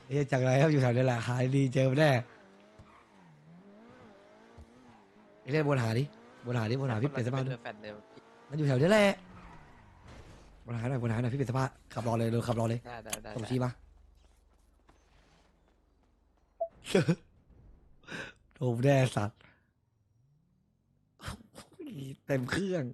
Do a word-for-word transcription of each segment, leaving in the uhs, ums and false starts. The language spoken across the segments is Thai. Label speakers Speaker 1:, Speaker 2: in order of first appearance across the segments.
Speaker 1: เฮ้ยจากไรครับอยู่แถวนี้แหละหาดีเจอแน่ไอ้เล่นบนหาดิบนหาดิบนหาพี่เปลี่ยนเสภาพดิ
Speaker 2: แฟนเดิม
Speaker 1: มันอยู่แถวนี้แหละบนหาหน่อยบนหาหน่อยพี่เปลี่ยนเสภาพขับรอเลยเร็วขับรอเลย
Speaker 2: ได้ได้ได้
Speaker 1: ส่งชี้มาโดนแน่สัตว์เต็มเครื่อง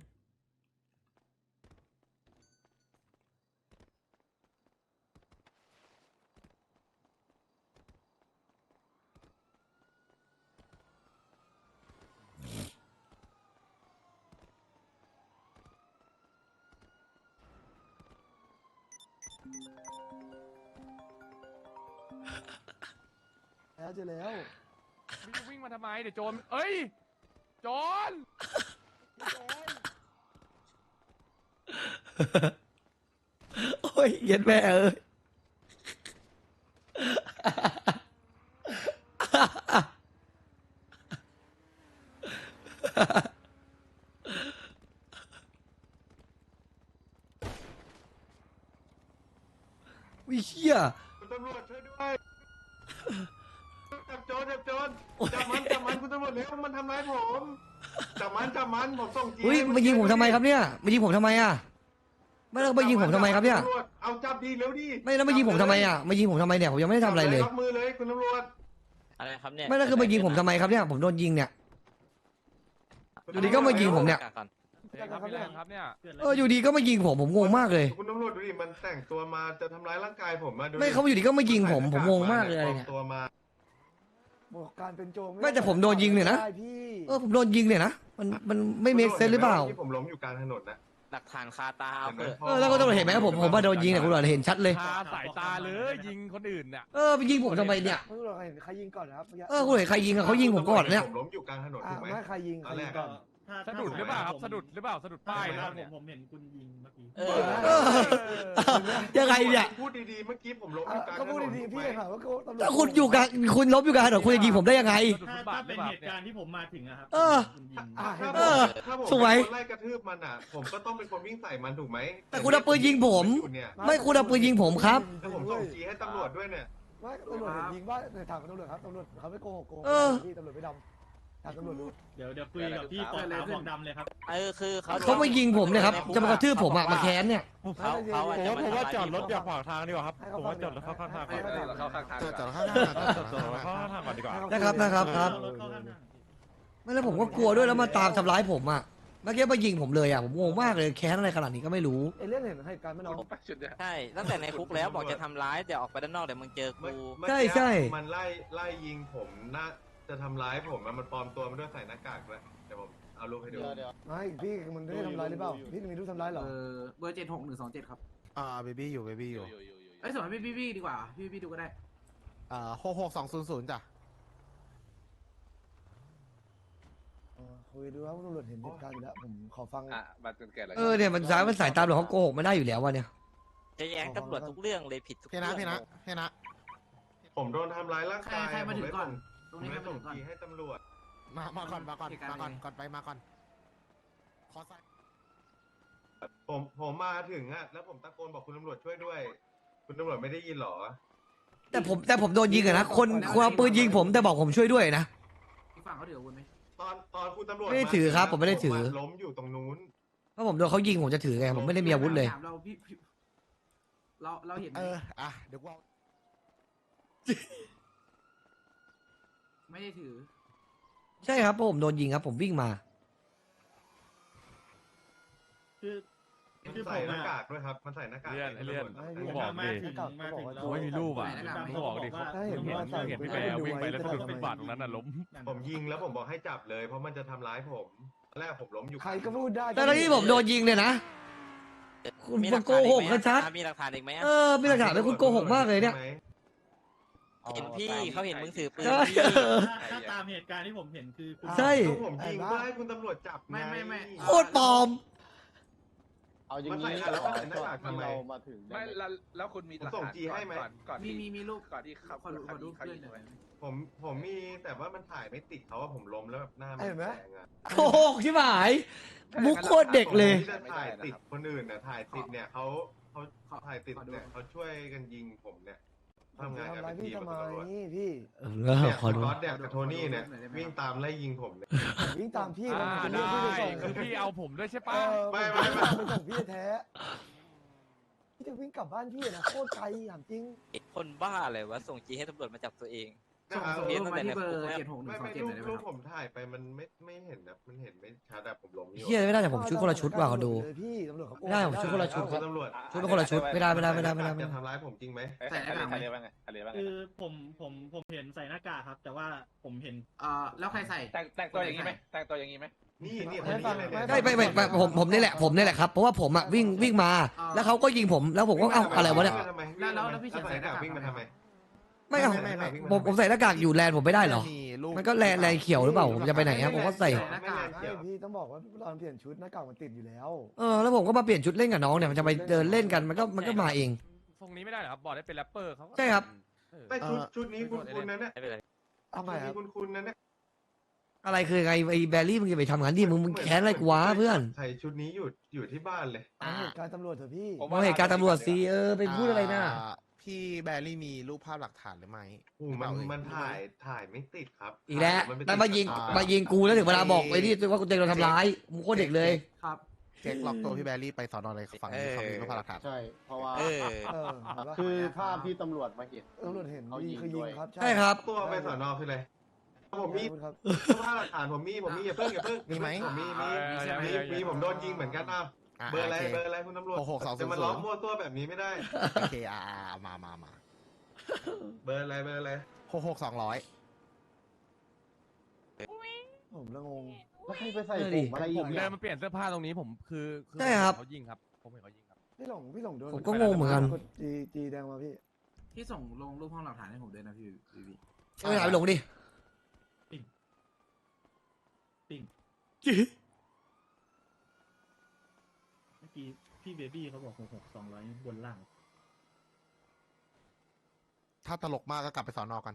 Speaker 3: แล้วเจอแล้ว
Speaker 4: วิ่งวิ่งมาทำไมเดี๋ยวโจรเอ้ยโจรโจร
Speaker 1: โอ้ยเย็นแม่เอ้ยวิเชี่ย
Speaker 5: คุณตำรวจช่วยด้วยจับโจรจับโจรจับมันจับมันคุณตำรวจเร็วมันทำร้ายผมจับมันจับมันผมส่งจี
Speaker 1: เฮ้ยมายิงผมทำไมครับเนี่ยมายิงผมทำไมอ่ะไม่แล้วมายิงผมทำไมครับเนี่ย
Speaker 5: ตำวจเอาจับดีเร็วดิ
Speaker 1: ไม่แล้วมายิงผมทำไมอ่ะมายิงผมทำไมเนี่ยผมยังไม่ได้ทำอะไรเลย
Speaker 5: จับมือเลยคุณตำรวจ
Speaker 2: อะไรครับเนี่ย
Speaker 1: ไม่แล้วคือมายิงผมทำไมครับเนี่ยผมโดนยิงเนี่ย อยู่ดีก็มายิงผมเนี่ย
Speaker 2: ก่อน
Speaker 4: เฮ้ยครับพี่แรงครับเนี่ย
Speaker 1: เอออยู่ดีก็มายิงผมผมงงมากเลย
Speaker 5: คุณตำรวจดูดิมันแต่งตัวมาจะทำร้ายร่างกายผมมาดูดิ
Speaker 1: ไม่เขาอยู่ดีก็มายิงผมผมงงมากเลยอะไรเนี่ย
Speaker 5: ปลอมตัวมา
Speaker 3: บอกการเป็นโจร
Speaker 1: ไม่แต่ผมโดนยิงเนี่ยนะ
Speaker 3: ได้พี่
Speaker 1: เออผมโดนยิงเนี่ยนะมันมันไม่เมคเซนหรือเปล่า
Speaker 5: ที่ผมล้มอยู่กลางถนนนะ
Speaker 2: หลักฐานคาตาเอาเถอะ
Speaker 1: เออแล้วก็ต้องเห็นไหมผมผมว่าโดนยิงเนี่ยคุณตำรวจเห็นชัดเลย
Speaker 4: คาสายตาเลยยิงคนอื่นเนี่ย
Speaker 1: เออไปยิงผมทำไมเนี่ย
Speaker 3: ไม่รู้หรอกใครเห็นใครยิงก่อนนะครับมื่กี้
Speaker 1: เออคุณเห็นใครยิงอะเขายิงผมก่อนเนี่ย
Speaker 5: ผมล้มอยู่กลางถนน
Speaker 3: อ่ะ
Speaker 5: ถูกไหม
Speaker 3: ไม่ใครยิงใครยิงก่อน
Speaker 4: สะดุดหรือเปล่าครับสะดุดหรือเปล่าสะดุดป้ายนะครับ
Speaker 6: ผ
Speaker 4: เนี่ย
Speaker 6: มผมเห็นคุณยิงเมื่อกี้
Speaker 2: เอ
Speaker 1: เอ
Speaker 2: อ
Speaker 1: อยังไงเนี่ย
Speaker 5: พูดดีๆเมื่อกี้ผมล้มอ
Speaker 3: อ่ะ
Speaker 5: ยู่กลางถ
Speaker 3: ก็พูด
Speaker 5: นน
Speaker 3: ดี
Speaker 5: ถูก
Speaker 3: ๆ
Speaker 5: ไหม
Speaker 3: พี่ถามว่าเขาตำรวจ
Speaker 1: ถ้าคุณอยู่กับคุณลบอยู่กับถนนคุณจะยิงผมได้ยังไง
Speaker 4: สะดุด
Speaker 6: ถ้า
Speaker 4: ฟุตบา
Speaker 6: ถ้า
Speaker 4: ทหรื
Speaker 6: เป็
Speaker 4: อน เปล่า
Speaker 6: เหตุ
Speaker 4: เนี่ย
Speaker 6: การณ์ที่ผมมาถึงอะครับ
Speaker 1: เออ
Speaker 6: คุณยิง
Speaker 3: อ่ะเห็น
Speaker 5: ถ้า
Speaker 3: ไหม
Speaker 5: ผมถ้าผม
Speaker 1: สวย
Speaker 5: เป็นคนไล่กระทืบมันอ่ะ ผมก็ต้องเป็นคนวิ่งใส่มันถูกไหม
Speaker 1: แต่คุณเอาปืนยิงผม
Speaker 5: อยู่เนี่ย
Speaker 1: ไม่คุณเอาปืนยิงผมครับ
Speaker 5: แล้วผมส่งจีให้ตำรวจด้วยเนี่ย
Speaker 3: ไม่ตำรวจเห็นยิงว่าเนี่ยถามตำรวจครับตำรวจเขาไม่โกหกโกหก
Speaker 1: เออ
Speaker 3: พี่ตำรวจไม่ดำถามตำรวจดู
Speaker 6: เดี๋ยวเดี๋ยวคุยกับพี่ปอขาวบอกดำเลยครับ
Speaker 2: เออคือเขา
Speaker 1: เขามายิงผมเนี่ยครับจะมากระทืบผมอะมาแค้นเนี่ย
Speaker 2: เขาเขาอะจะมาทำร้าย
Speaker 3: ผมว่าจอดรถอย่าขวาง
Speaker 4: ทางดีกว่าครับ
Speaker 3: ให้เขาฟังจอดรถเข้าข้างทาง
Speaker 4: เข้าข้างทาง
Speaker 5: จอดจอดข้าง
Speaker 4: เข้าข้างทางก่อนดีกว่า
Speaker 1: นะครับนะครับครับ
Speaker 6: รถเข้าข้างทาง
Speaker 1: ไม่แล้วผมก็กลัวด้วยแล้วมาตามทำร้ายผมอะเมื่อกี้มายิงผมเลยอะผมงงมากเลยแค้นอะไรขนาดนี้ก็ไม่รู้
Speaker 3: ไอ้เรื่องเห็นเหตุการณ์ไม่น้อง
Speaker 2: ใช่ตั้งแต่ในคุกแล้วบอกจะทำร้ายเดี๋ยวออกไปด้านนอกเดี๋ยวมึงเจอ
Speaker 5: เมื่อ
Speaker 2: กู
Speaker 5: เมื่อ
Speaker 1: ใช่
Speaker 5: กี้
Speaker 1: ใช่
Speaker 5: มันไล่ไล่ยิงผมน่าจะทำร้ายผมอะมันปลอมตัวมาด้วยใส่หน้ากากด้วยเดี๋ยวผมเอารูปให้ดู
Speaker 3: ไม่พี่มันได้ทำร้ายหรือเปล่าพี่มีรูปทำร้ายเหรอ
Speaker 7: เออเบอร์เจ็ดหกหนึ่งสองเจ็ดครับ
Speaker 8: อ่าเบบี้อยู่เบบี้อยู่
Speaker 7: เอ้ยสมัยพี่พี่พี่ดีกว่า พี่พี่ดูก็ได้
Speaker 8: อ่าหกหกสองศูนย์ศูนย์จ้ะ
Speaker 3: เออคุยดูว่าตำรวจเห็นเหตุการณ์อยู่แล้วผมขอฟัง
Speaker 4: อ่ะบัตรจนแก่แล้ว
Speaker 1: เออเนี่ยมันสายมันสายตามหรอกเขาโกหกไม่ได้อยู่แล้ววะเนี่ย
Speaker 2: จะแย้งตำรวจทุกเรื่องเลยผิดทุก
Speaker 8: พี่
Speaker 2: เรื่
Speaker 8: นะ
Speaker 2: อง
Speaker 8: พี่นะพี่นะ
Speaker 5: ผมโดนทำร้ายร่าง
Speaker 7: ใคร
Speaker 5: กาย
Speaker 7: ใครมาถึงก่อน ต
Speaker 5: ผ
Speaker 7: รง
Speaker 5: ม
Speaker 7: นี้ใคร
Speaker 5: ไม่
Speaker 7: มา
Speaker 5: ส่
Speaker 7: ถึ
Speaker 5: ง
Speaker 7: งก่อน
Speaker 5: จีให้ตำรวจ
Speaker 8: มามาก่อนมาก่อน
Speaker 7: เหตุการณ์
Speaker 8: มาก่อน
Speaker 7: เป็นไง
Speaker 8: ก่อนไปมาก่อนขอใส่
Speaker 5: ผมผมมาถึงอะแล้วผมตะโกนบอกคุณตำรวจช่วยด้วย คุณตำรวจไม่ได้ยินเหรอ
Speaker 1: แต่ผมแต่ผมโดนยิงอะนะคนคนเอาปืนยิงผมแต่บอกผมช่วยด้วยนะ
Speaker 7: อีกฝั่งเขาถืออาวุธไหม
Speaker 5: ตอนตอนคุณตำรวจ
Speaker 1: ไม่ได้ถือครับผมไม่ได้ถือ
Speaker 5: ล้มอยู่ตรงนู้น
Speaker 1: เพราะผมโดนเขายิงผมจะถือไงผมไม่ได้มีอาวุธเลย
Speaker 7: ถามเราพี่พี่เราเราเห็นไหม
Speaker 8: เอออ่ะเดี๋ยวกูเอา
Speaker 7: ไม่ได้ถือ
Speaker 1: ใช่ครับเพราะผมโดนยิงครับ ผมวิ่งมา
Speaker 6: คือ
Speaker 5: มัน
Speaker 6: คือผ
Speaker 5: ใส่
Speaker 6: ม
Speaker 5: หน้า
Speaker 6: อะ
Speaker 5: กากด้วยครับ มันใส่หน้ากาก
Speaker 4: เลื่อน
Speaker 5: ให้
Speaker 4: เลื่อน
Speaker 5: ตำรวจ
Speaker 3: ให้
Speaker 4: กู
Speaker 3: พี่
Speaker 4: บอก
Speaker 6: มา
Speaker 4: ดิ
Speaker 6: ถึงมาถึงแล้ว
Speaker 4: กูไม่มีรูปอ่ะ
Speaker 7: ใส่หน้ากาก
Speaker 4: กูบอกดิ
Speaker 3: ถ้าเห็น
Speaker 4: เห็น
Speaker 3: ว่าใส่
Speaker 4: เห็นพี่แบร์วิ่งไปแล้วสะดุดฟุตบาทตรงนั้นน่ะล้ม
Speaker 5: ผมยิงแล้วผมบอกให้จับเลย เพราะมันจะทำร้ายผมตอนแรกผมล้มอยู่
Speaker 3: ใครก็พูดได้
Speaker 1: แต่ตอนที่ผมโดนยิงเนี่ยนะ คุณ
Speaker 2: มีหลั
Speaker 1: โกหก
Speaker 2: ฐานอี
Speaker 1: ชัด
Speaker 2: ไหมมีหลักฐานอีกไหมอะ
Speaker 1: เออมีหลักฐานไหมคุณโกหกมากเลยเนี่ย
Speaker 5: ใช่ไหม
Speaker 2: เห็นพี่เขาเห็นมึงถือปืน
Speaker 1: ใช่
Speaker 2: พี่
Speaker 6: ถ้าตามเหตุการณ์ที่ผมเห็นคือคุณ
Speaker 1: ใช่
Speaker 5: ก็ผมยิงเพื่อให้คุณตำรวจจับง
Speaker 7: ไม่ไม่ไม่
Speaker 1: โคตรปลอม
Speaker 9: เอาอย่าง
Speaker 5: มันใส่
Speaker 9: นี้
Speaker 5: อ่ะแล้วมันใส่หน้ากากทำไม
Speaker 9: เรามาถึง
Speaker 4: ไม่แล้วแล้วคุณมีหลัก
Speaker 5: ผมส่ง
Speaker 4: ฐาน
Speaker 5: จีให้ไหม
Speaker 4: ก่อนก่อน
Speaker 7: มี
Speaker 4: ที่
Speaker 7: มีมีรูป
Speaker 4: ก่อนที่เขา
Speaker 7: ขอดูขอดู
Speaker 4: เขา
Speaker 7: เพื่อน
Speaker 4: ยิง
Speaker 7: หน่อย
Speaker 5: ผมผมมีแต่ว่ามันถ่ายไม่ติดเขาว่าผมล้มแล้วแบบหน้ามันแดงอะ
Speaker 1: โกหกใช่ไหมมุกโคตรเด็กเลย
Speaker 5: ที่จะถ่ายติดคนอื่นเนี่ยถ่ายติดเนี่ยเขาเขาถ่ายติดเนี่ยเขาช่วยกันยิงผมเนี่ย
Speaker 3: ผม
Speaker 5: ทำ
Speaker 3: จะ
Speaker 5: งานกัน
Speaker 3: ทำร้าย
Speaker 5: เป็น
Speaker 3: พี่
Speaker 5: ทีม
Speaker 3: ทำไม
Speaker 5: ตำรวจ
Speaker 3: พี่
Speaker 1: เออ
Speaker 5: เนี่ย
Speaker 1: ขอ
Speaker 5: ส
Speaker 1: ดู
Speaker 5: กอตเนี่ยกับโทนี่เนี่ยวิ่งตามไล่ยิงผมเลย
Speaker 3: ผมวิ่งตามพี่
Speaker 4: อ่า
Speaker 3: ผมจะ
Speaker 4: ได้
Speaker 3: เรียกพี่ไปส่ง
Speaker 4: คือพี่เอาผมด้วยใช่
Speaker 3: เอ
Speaker 4: ปะ
Speaker 3: อ
Speaker 5: ไม่
Speaker 3: ผ
Speaker 5: ไม่ไม่
Speaker 3: ไปส่งพี่แท้พี่จะวิ่งกลับบ้านพี่นะโคตรไกลถามจริง
Speaker 2: คนบ้าเลยวะส่งจีให้ตำรวจมาจับตัวเอง
Speaker 7: ส่ง
Speaker 5: อ่ะ
Speaker 7: ส่ง
Speaker 2: เรียน
Speaker 7: รูป
Speaker 2: ตั้ง
Speaker 7: มา
Speaker 2: แต่
Speaker 7: ที่เบอร์
Speaker 2: ในคุกแล้ว
Speaker 7: เจ็ดหกหนึ่
Speaker 5: ไม่
Speaker 7: งสอง
Speaker 5: ไม่
Speaker 7: เจ็ด
Speaker 5: รู
Speaker 7: ห
Speaker 5: ป
Speaker 7: น่อยได้ไหม
Speaker 5: รู
Speaker 7: ค
Speaker 5: ป
Speaker 7: รับ
Speaker 5: ผมถ่ายไปมันไม่ไม่เห็นแบบมันเห็นไม่ชัดแบบผมล้มอยู่
Speaker 1: เฮียไม่ได้แต่ผมชุดคนละชุดว่ะเขาดู
Speaker 3: เลยพี่ตำรวจเขาโกง
Speaker 1: ไม่ได้ผมชุดคนละชุด
Speaker 5: คุณตำรวจ
Speaker 1: ชุดเป็นคนละชุดไม่ได้ไม่ได้ไม่ได้ไม่ได้ไม่
Speaker 5: จะ
Speaker 1: ได้
Speaker 5: ทำร้ายผมจริงไหม
Speaker 7: ใส่หน้ากากไหม
Speaker 6: คือผมผมผมเห็นใส่หน้ากากครับ แต่ว่าผมเห็น
Speaker 7: เอ่อแล้วใครใส่
Speaker 10: แต่งแต่งตัวอย่างนี้ไหมแต่งตัวอย่างนี้ไหม
Speaker 5: นี่นี่
Speaker 3: ไม่ฟังไม่ฟัง
Speaker 1: ใช่ไม่ไม่ไม่ผมผมนี่แหละผมนี่แหละครับเพราะว่าผมอะวิ่งวิ่งมา แล้วเขาก็ยิงผมแล้วผมก็เอ้าอะไรวะเนี่ย
Speaker 7: แล้วแล้วแล้วพี่เฉินใส่หน้ากาก
Speaker 5: วิ่งมาทำไม
Speaker 1: ไม่เอา
Speaker 5: ไม่ไม่
Speaker 1: ผมผมใส่หน้ากากอยู่แลนด์ผมไม่ได้เหรอ มันก็แลนด์แลนด์เขียวหรือเปล่าผมจะไปไหนครับผมก็ใส่
Speaker 7: หน้ากาก
Speaker 3: ไม่พี่ต้องบอกว่าตอนเปลี่ยนชุดหน้ากากมันติดอยู่แล้ว
Speaker 1: เออแล้วผมก็มาเปลี่ยนชุดเล่นกับน้องเนี่ยมันจะไปเดินเล่นกันมันก็มันก็มาเอง
Speaker 4: ทรงนี้ไม่ได้เหรอครับบอกได้เป็นแรปเปอร์เขาก็
Speaker 1: ใช่ครับ
Speaker 4: เออ
Speaker 5: ไม่ชุดชุดนี้คุณคุณนั่นน่ะ
Speaker 2: ไม่เป็นไร
Speaker 3: ทำไม
Speaker 5: ชุด
Speaker 3: ครั
Speaker 5: นี้
Speaker 3: บ
Speaker 5: คุณคุณนั่นน่ะ
Speaker 1: อะไรคือไงไอ้แบรี่มึงจะไปทำงานดิมึงมึงแค้นอะไรกูวะเพื่อน
Speaker 5: ใส่ชุดนี้อยู่อยู่ที่บ้านเลย
Speaker 3: เอาเหตุการณ์ตำรวจเถอะพี่
Speaker 10: ผม
Speaker 1: เอาเหตุการณ์ตำรวจสิเออไปพูดอะไรน่ะ
Speaker 8: พี่แบรี่มีรูปภาพหลักฐานหรือไม่
Speaker 5: โอ้มันมันถ่ายถ่ายไม่ติดครับ
Speaker 1: อีกแล้ว
Speaker 5: นไติด
Speaker 1: แล้วมายิง
Speaker 8: อ่าม
Speaker 1: มายิงกูแล้วถึงเวลาบอกไอ้นี่ว่ากูเจอโดนทำร้ายมึงโคตรเด็กเลย
Speaker 7: ครับ
Speaker 8: เช็คล็อกตัวพี่แบรี่ไปสอนอเลยฝั่งนี้เขามีรูปภาพหลักฐาน
Speaker 9: ใช่ เพราะว่า
Speaker 2: เออ
Speaker 3: เออเห็นปะ
Speaker 9: คือภาพที่ตำรวจมาเห็น
Speaker 3: ตำรวจเห็น
Speaker 9: เขายิ
Speaker 3: ยิง
Speaker 9: ง
Speaker 3: คือยิง
Speaker 9: ด้วย
Speaker 3: ครับ
Speaker 1: ใช่ครับ
Speaker 5: ตัวไปสอนอคืออะไรผมมี
Speaker 3: ขอบคุณครับ
Speaker 5: ภาพหลักฐานผมมีผมมีอย่าเพิ่งอย่าเพิ่ง
Speaker 8: มีไหม
Speaker 5: ผมมีมี
Speaker 4: เออ
Speaker 5: มีมีผมโดนยิงเหมือนกันอ้าว
Speaker 8: อ่ะ
Speaker 5: เบอร์อะไร
Speaker 8: โค
Speaker 5: เบอร์อะไรคุณตำรวจ
Speaker 8: หกหกสองศูนย์
Speaker 5: จะมาล้อมมั่วตัวแบบนี้ไม่ได้
Speaker 8: โอเคอ่าอ่ามามามา
Speaker 5: เบอร์อะไรเบอร์อะไร
Speaker 8: หกหกสองร้อย
Speaker 3: ผมละงง
Speaker 9: แล้วใครไปใส่
Speaker 1: เออ
Speaker 9: ผ
Speaker 1: ดิ
Speaker 9: มอะไรอี
Speaker 4: ผ
Speaker 9: ก
Speaker 4: ม
Speaker 9: เนี่
Speaker 4: เดิ
Speaker 9: ย
Speaker 4: นมาเปลี่ยนเสื้อผ้าตรงนี้ผมคือคือ
Speaker 1: ใช่ครับ
Speaker 4: เขายิงครับผมเห็นเขายิงครับ
Speaker 3: พี่หลงพี่หลงโดน
Speaker 1: ผมก็งงเหมือนกัน
Speaker 3: กดจีจีแดงมาพี่
Speaker 7: พี่ส่งลงรูปห้องหลักฐานให้ผมด้วยนะพี่พี่พี่
Speaker 1: เอาไปหาไปหลงดิ
Speaker 6: ปิ่งเมื่อกี้พี่เบบี้เขาบอกหกหกสองร้อยบนล่าง
Speaker 8: ถ้าตลกมากก็กลับไปสอนอกัน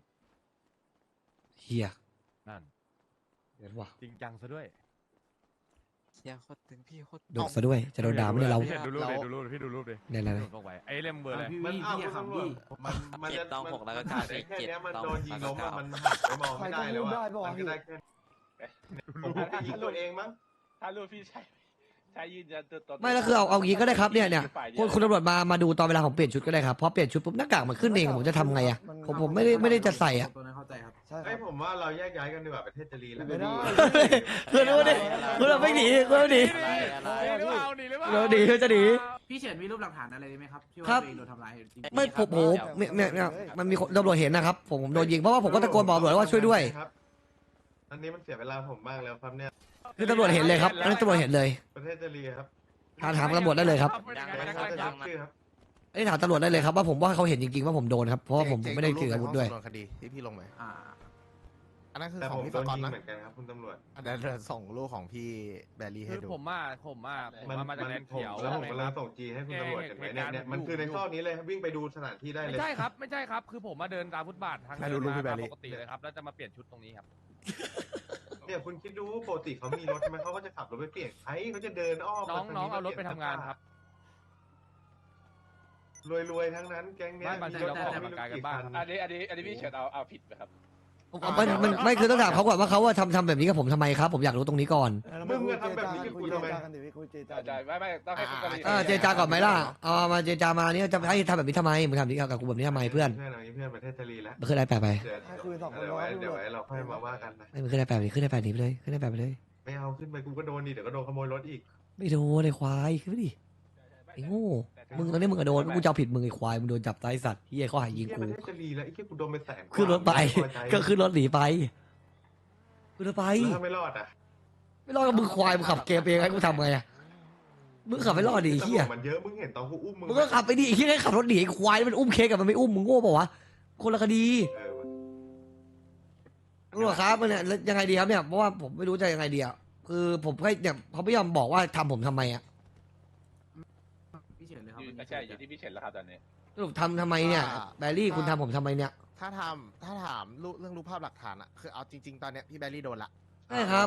Speaker 1: เฮีย
Speaker 4: นั่น
Speaker 1: เดี๋ยวว่ะ
Speaker 4: จริงจังซะด้วย
Speaker 2: เฮียโคตรตึงพี่โคตร
Speaker 1: โดนซะด้วยจะโดนด่าไม่ได้เรา
Speaker 4: พี่ดูรูปดิดูรูปดิพี่ดูรูปดิ
Speaker 1: เนี่ยอะไร
Speaker 4: ลงไปไอ้เล่มเบอร์อะไร
Speaker 7: พี่
Speaker 5: มัน
Speaker 7: พี่
Speaker 5: อ้าว
Speaker 7: พี่
Speaker 5: คุณ
Speaker 7: อะครับ
Speaker 5: ตำรวจ
Speaker 7: พี่
Speaker 5: มันมัน
Speaker 2: เจ็ด
Speaker 5: จะ
Speaker 2: ตอง
Speaker 5: มัน
Speaker 2: หกแล้วก็
Speaker 5: มัน
Speaker 2: เก้า
Speaker 5: ได้แค่
Speaker 2: เจ็ด
Speaker 5: เนี้ยมัน
Speaker 2: ตอง
Speaker 5: โด
Speaker 2: ห
Speaker 5: น
Speaker 2: ก
Speaker 5: ยิง
Speaker 2: แล้ว
Speaker 5: ล้
Speaker 2: ก็
Speaker 5: ม
Speaker 2: เก้า
Speaker 5: อะมันหักไปมองไม่ได้แล้ว
Speaker 3: ใครก็
Speaker 5: อะ
Speaker 3: รูปได้ปะวะ
Speaker 5: มันก็ได้แค่ผมผมไปยิงตัวเองมั้ง
Speaker 10: ถ้ารูปพี่ใช่ใช่ยืนยันตัวตน
Speaker 1: ไม่แล้วคือเอาเอางี้ก็ได้ครับเนี่ยเนี่ย
Speaker 10: ฝ่าดี
Speaker 1: คุ
Speaker 10: ว
Speaker 1: ณคุณตำรวจมามาดูตอนเวลาผมเปลี่ยนชุดก็ได้ครับพอเปลี่ยนชุดปุ๊บหน้ากากมันขึ้นเองผมจะทำไงอะผมผมไม่ได้ไม่ได้จะใส่อะ
Speaker 7: ตัวนั้นเข้าใจครับ
Speaker 3: ใช่ค
Speaker 5: ไอ้
Speaker 3: รับ
Speaker 5: ผมว่าเราแยกย้ายกันดีกว่าประเทศจะรีแล้ว
Speaker 3: ไม่ได้
Speaker 1: คุณดูดิคุณเราไม่หนีคุณเราหนี
Speaker 4: หนีหรือเปล่าหนีหรือเปล่า
Speaker 1: เราหนีเราจะหนี
Speaker 7: พี่เฉินมีรูปหลักฐานอะไรไหมครับที่
Speaker 1: ครั
Speaker 7: ว่า
Speaker 1: บ
Speaker 7: ตัวเองโดนทำร้ายจริงๆ
Speaker 1: ไม่ผมโหเนี่ยเนี่ยเนี่ยมันมีคนตำรวจเห็นนะครับผมผมโดนยิงเพราะว่าผมก็ตะโกนบอกตำรวจว่าช่วยด้วย
Speaker 5: ครับอันนี้มันเสียเวลาผมมากแล้วครับเนี่ย
Speaker 1: คือตำรวจเห็นเลยครับอันนั้นตำรวจเห็นเลย
Speaker 5: ประเทศจะรีครับ
Speaker 1: ถามถามตำรวจได้เลยครับ
Speaker 4: เป็นยังไง
Speaker 5: ไม่
Speaker 4: ไม่
Speaker 5: ได้
Speaker 4: ได้
Speaker 5: ค
Speaker 4: ก
Speaker 5: รั
Speaker 4: ล้า
Speaker 5: บ
Speaker 4: จับ
Speaker 5: ชื่อครับ
Speaker 1: ไอ้ถามตำรวจได้เลยครับว่าผมว่าเขาเห็นจริงๆว่าผมโดนครับเพราะว่าผม
Speaker 8: เจ๊
Speaker 1: ไม่ได้ถืออาวุธด้วย
Speaker 8: โดนคดีที่พี่ลงไหม
Speaker 7: อ่า
Speaker 8: อันนั้นคือ
Speaker 5: แต่
Speaker 8: ข
Speaker 5: ผ
Speaker 8: อง
Speaker 5: ม
Speaker 8: พี่
Speaker 5: โด
Speaker 8: ส
Speaker 5: น
Speaker 8: กอต
Speaker 5: ยิง
Speaker 8: นะ
Speaker 5: เหมือนกันครับคุณตำรวจ
Speaker 8: อันนั้นเดี๋ยวส่งรูปของพี่แบรี่ให้
Speaker 4: คือ
Speaker 8: ดู
Speaker 4: ผมว่าผมว่าผม
Speaker 5: มัน
Speaker 4: ว่ามาจาก
Speaker 5: มัน
Speaker 4: แลนด์
Speaker 5: ผม
Speaker 4: เขียว
Speaker 5: แล้วผม
Speaker 4: ใช่
Speaker 5: กำ
Speaker 4: ไห
Speaker 5: ลัง
Speaker 4: ครับ
Speaker 5: ส่งจีให้คุณตำรวจเห็นไหมเนี่ย
Speaker 4: เหตุการณ์
Speaker 5: เนี่ยมันคือในซอกนี้เลยวิ่งไปดูสถานที่ได้เลย
Speaker 4: ไม่ใช่ครับไม่ใช่ครับคือผมมาเดินตามฟุตบาททาง
Speaker 8: ให้ดูรูปพี่แบ
Speaker 4: เดิน
Speaker 8: รี่
Speaker 4: มาปกติเลยครับแล้วจะมาเปลี่ยนชุดตรงนี้ครับ
Speaker 5: เนี่ยคุณคิดดูปกติเขามีรถใช่ไหมเขาก็จะขับรถไปเปลี่ยนไอ้เขาจะเดินอ้อม
Speaker 4: น้อง
Speaker 5: มท
Speaker 4: น้อง
Speaker 5: ม
Speaker 4: เอารถไปทำงานครับ
Speaker 5: รวยๆทั้งนั้นแก๊งเนี้ย
Speaker 4: ไม่บางทีเราก็ออกกำลังกายกันบ้าง
Speaker 10: อันนี้อันนี้อันนี้พี่เฉินเอาเอาผิดไหมครับ
Speaker 1: มันมันไม่คือต้องถามเขาก่อนว่าเขาว่าทำทำแบบนี้กับผมทำไมครับ ผมอยากรู้ตรงนี้ก่อน
Speaker 5: มึงอะทำแบบนี้กับกูทำไม
Speaker 3: คุยเจรจากันดิพี่คุยเจรจา
Speaker 10: ใช่ไม่ไม่ต้องให้คุณกรณี
Speaker 1: เออเจรจาก่อนไหมล่ะเอามาเจรจามาเนี่ยจะให้ทำแบบนี้ทำไมมึงทำแบบนี้กับกูแบบนี้ทำไมเพื่อน
Speaker 5: เพื่อนเอางี้เพื่อนประเทศจะรีแล้ว
Speaker 1: มันขึ้นได้แปลไป
Speaker 5: เดี๋ยว
Speaker 3: ให้คุยสองคน
Speaker 5: เดี๋ยวไว้
Speaker 3: รอ
Speaker 5: เดี๋ยวไว้เราค่อยมาว่ากันนะ
Speaker 1: ไม่มันขึ้นได้แปลไปขึ้นได้แปลหนีไปเลยขึ้นได้แปลไปเลย
Speaker 5: ไม่เอาขึ้นไปกูก็โดนดิเดี๋ยวก็โดนขโมยรถอีก
Speaker 1: ไม่โดนไอ้ควายขึ้นไปดิไอ้โง่มึงตอนนี้มึงก็โดนกูจะเอาผิดมึงไอ้ควายมึงโดนจับตายสัตว์เฮียเขาหายิง
Speaker 5: เหี้
Speaker 1: กู
Speaker 5: ประเทศจะรีแล้วไอ้เหี้ยกูโดนไปแสนกว่า
Speaker 1: ขึ้นรถไป
Speaker 5: ม่พอใจ
Speaker 1: ก็ขึ้นรถหนีไปขึ้นรถไป
Speaker 5: แล้วถ้าไม่รอดอ่ะ
Speaker 1: ไม่รอดก็มึงควายมึงขับเกมเองให้กูทำไงอะมึงขับไม่รอดดิไอ้เฮีย
Speaker 5: ตำรวจมันเยอะมึงเห็นตอนกูอุ้มมึง
Speaker 1: มึงก็ขับไปดิไอ้เฮียให้ขับรถหนีไอ้ควายมันอุ้มเค้กกับมันไม่อุ้มมึงโง่เปล่าวะคนละคดี
Speaker 5: เออว่ะ
Speaker 1: ตำรวจครับมันเนี่ยแล้วยังไงดีครับเนี่ยเพราะว่าผมไม่รู้จะยังไงดีอ่ะคือผมแค่เนี่ยเขาไม่ยอมบอกว่าทำผมทำไมอ่ะ
Speaker 7: พี่เฉินเลยครับ
Speaker 10: อยู่ไม่ใช่อยู่ที่พี่เฉินแล้วครับตอนนี้
Speaker 1: สรุปทำทำไมเนี่ยแบรี่คุณทำผมทำไมเนี่ย
Speaker 8: ถ้าทำถ้าถามรูปเรื่องรูปภาพหลักฐานอะคือเอาจริง ๆ ตอนเนี้ยพี่แบรี่โดนละ
Speaker 1: ใช่ครับ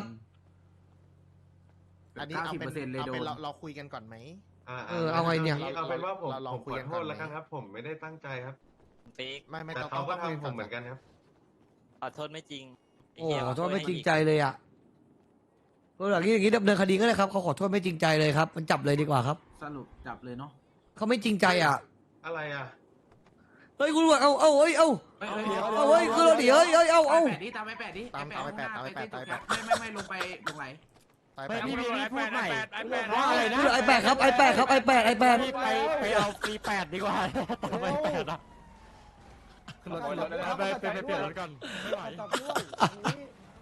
Speaker 8: อันนี้
Speaker 7: เก้า
Speaker 8: เอา
Speaker 7: สิบ
Speaker 8: เป็
Speaker 7: เปอร์เซ็นต์
Speaker 8: น
Speaker 7: เลย
Speaker 8: เอา
Speaker 7: โด
Speaker 8: เป็น
Speaker 7: น
Speaker 8: เราเราคุยกันก่อนไหม
Speaker 5: อ่า
Speaker 1: เออเอาไงเนี่ย
Speaker 5: เอาเป็นว่าผม
Speaker 8: เราลอง
Speaker 5: ผม
Speaker 8: คุย
Speaker 5: ข
Speaker 8: กั
Speaker 5: อน โท
Speaker 8: ก่อน
Speaker 5: ษแล้ว
Speaker 8: ไหม
Speaker 5: กันครับ ผมไม่ได้ตั้งใจครับ
Speaker 2: เป๊ก
Speaker 8: ไม่ไม่
Speaker 5: แต่
Speaker 8: ต้อง
Speaker 5: เขาก็
Speaker 8: ต้องคุย
Speaker 5: ทำผมเหมือนกันครับ
Speaker 2: ขอโทษไม่จริง
Speaker 1: โอ้ขอโทษไม่จริงใจเลยอ่ะก็อย่างนี้อย่างนี้ดำเนินคดีก็ได้ครับเขาขอโทษไม่จริงใจเลยครับ มันจับเลยดีกว่าครับ
Speaker 7: สรุปจับเลยเนาะ
Speaker 1: เขาไม่จริงใจอ่ะ
Speaker 5: อะไรอ่ะ
Speaker 1: เฮ้ยคุณตำรวจเอาเอาเฮ้ยเอา
Speaker 7: เฮ้ยเฮ้ย
Speaker 1: เอาเฮ้ยคือเราดิเฮ้ยเฮ้ยเอาเอา
Speaker 7: แปดดิตามไปแปดดิไอ้แปดข้างหน้าไปที่จุดแคปไม่ไม่ไม่ลงไปลงไหล
Speaker 8: ตายไป
Speaker 4: ไม่พี่พี่พูดใหม่ไอแปด
Speaker 1: ว่าอะไรนะไอแปดครับไอแปดครับไอแปดไอแปด
Speaker 4: ไปไปเอาปีแปดดีกว่าต่อไปแปดอะ
Speaker 8: ขึ้นรถ
Speaker 4: ไปไปไปเปลี่ยนรถก่อนไม่ไหว
Speaker 3: จับด้วยอย่างนี้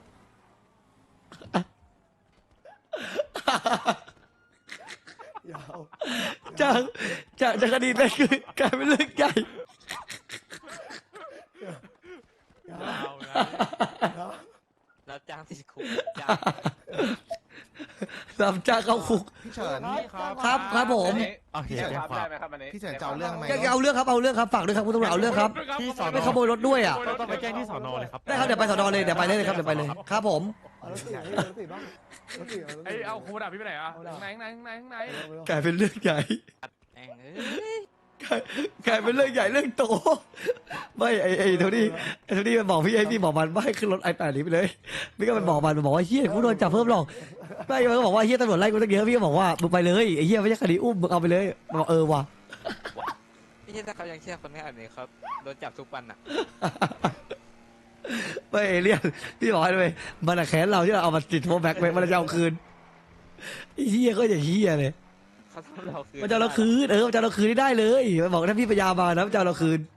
Speaker 3: ยาว
Speaker 1: จากจากจากคดีนั้นคือกลายเป็นเรื่องใหญ่
Speaker 3: ยาว
Speaker 4: เอานะ
Speaker 3: ยาว
Speaker 2: รับจ้างติดคุกจ้าง
Speaker 1: สามจ้าเข้าคุก
Speaker 8: พี่เฉิน
Speaker 1: ครับครับผม
Speaker 10: อันนี้พี่เฉินครับได้ไหมครับอันนี้
Speaker 8: พี่เฉินจะเอาเรื่องไหม
Speaker 1: จะเอาเรื่องครับเอาเรื่องครับฝากด้วยครับคุณตำรวจเอาเรื่องครับ
Speaker 4: ที่สอน
Speaker 1: ไม่ขโมยรถด้วยอ่ะ
Speaker 4: ต้องไปแจ้งที่สอนอเลยครับ
Speaker 1: ได้ครับเดี๋ยวไปสอนอเลยเดี๋ยวไปเลยครับเดี๋ยวไปเลยครับผม
Speaker 3: เอารถติดเอารถติดบ้างรถติดเอารถติด
Speaker 4: ไอเอาโคดาพี่ไปไหนอ่ะข้างในข้างในข้างในข้างใน
Speaker 1: กลายเป็นเรื่องใหญ่
Speaker 2: แองเอ้ย
Speaker 1: กลายกลายเป็นเรื่องใหญ่เรื่องโตไม่ไอไอโทนี่ไอโทนี่มันบอกพี่ไอพี่บอกมันว่าให้ขึ้นรถไอแปดนี้ไปเลยพี่ก็มันบอกมันมันบอกว่าเฮียกูโดนจับเพิ่มหรอกไม่มันก็บอกว่าเฮียตำรวจไล่กูตั้งเยอะพี่ก็บอกว่ามึงไปเลยไอเฮียไม่ใช่คดีอุ้มมึงเอาไปเลยมันบอกเออว่ะ
Speaker 2: ไม่ใช่ถ้าเขายังเชื่อคนง่ายแบบนี้ครับโดนจับทุกวันอ่ะ
Speaker 1: ไม่เอเลี่ยนพี่บอกให้เลยมันอะแค้นเราที่เราเอามาติดโทรแบ็กไปมันจะเอาคืนไอ้เฮียก็อย่างเฮียเลย
Speaker 2: เขาทำเราคืน
Speaker 1: มันจะเอาเราคืนเออมันจะเอาเราคืนได้เลยมันบอกถ้าพี่ปัญญามานะมันจะเอาเราคืน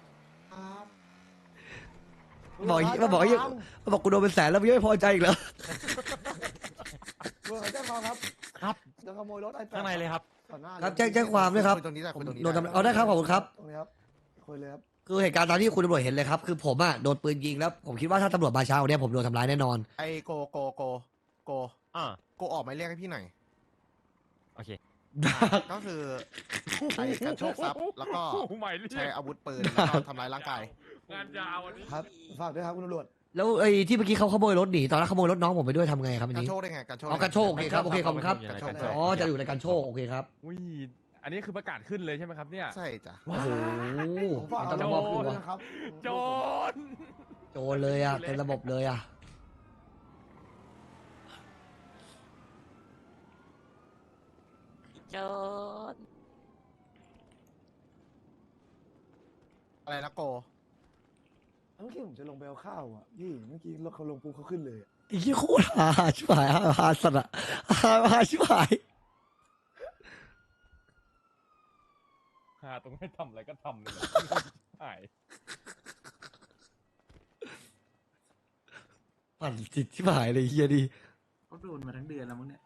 Speaker 1: บอกมันบอกไอ้เหี้ยมันบอกกูโดนเป็นแสนแล้วมึงยังไม่พอใจอีกเหรอ
Speaker 3: เมื่อไหร่แจ้งความครับ
Speaker 4: ครับ
Speaker 3: จะขโมยรถไอ้แปด
Speaker 4: ข้างในเลยครับ
Speaker 3: ต่อหน้า
Speaker 1: ครับแจ้งแจ้งความด้วยครับ
Speaker 8: คุตรงนี้ได้
Speaker 1: ผม
Speaker 8: คุยตรงนี้
Speaker 1: โดนทำเอาได้ครับขอบคุณครับ
Speaker 3: ตรงนี้ครับคุยเลยครับ
Speaker 1: คือเหตุการณ์ตามที่คุณตำรวจเห็นเลยครับคือผมอะโดนปืนยิงแล้วผมคิดว่าถ้าตำรวจมาเช้าเนี่ยผมโดนทำร้ายแน่นอน
Speaker 8: ไอโกโกโกโก
Speaker 4: อ่า
Speaker 8: โกออกหมายเรียกให้พี่หน่อย
Speaker 4: โอเค
Speaker 8: ก็คือไอ้การโชคทรัพย์แล้วก็
Speaker 4: ใหม่เรีย
Speaker 8: ใช้
Speaker 4: ก
Speaker 8: อาวุธปืนแล้วก็ทำร้ายร่างกาย
Speaker 4: งานยาวอันนี้
Speaker 3: ครับฝากด้วยครับคุณตำรวจ
Speaker 1: แล้วไอ้ที่เมื่อกี้เขาขโมยรถหนีตอนนั้นขโมยรถน้องผมไปด้วยทำไงครับอัน
Speaker 8: การ
Speaker 1: นี้
Speaker 8: โชคได้ไงการโชค
Speaker 1: อ๋อการโชคโอเคครับโอเคขอบคุณครับ
Speaker 8: การโชค
Speaker 1: อ๋อจะอยู่ในการโชคโอเคครับ
Speaker 4: อุ้ยอันนี้คือประกาศขึ้นเลยใช่ไหมครับเนี่ย
Speaker 8: ใช่จ้ะ
Speaker 1: โอ้โห
Speaker 3: ผมฝาก
Speaker 1: ต้
Speaker 3: เอา
Speaker 1: อง
Speaker 3: ระ
Speaker 1: บ
Speaker 3: บอก คืน
Speaker 1: อกว่า
Speaker 3: นะครับ
Speaker 4: โจร
Speaker 1: โจรเลยอะเต็มระบบเลยอะ
Speaker 2: โจร
Speaker 8: อะไรนะโก
Speaker 3: เมื่อกี้ผมจะลงไปเอาข้าวอ่ะพี่เมื่อกี้รถเขาลงปุ๊บเขาขึ้นเลย
Speaker 1: ไอ้เหี้ยโคตรหาชิบหายหาหาสัตว์อะหาหาชิบหาย
Speaker 4: หาตรงให้ทำอะไรก็ทำเลยหาย
Speaker 1: ปั่นจิตชิบหายเลยเฮียดี
Speaker 7: เขาโดนมาทั้งเดือนแล้วมั้งเนี่ย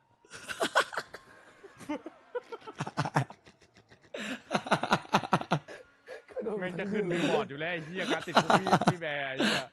Speaker 4: แม่งจะขึ้นรีบอร์ดอยู่แล้วไอ้เหี้ยการติดคุกพี่พี่แบร์ไอ้เหี้ย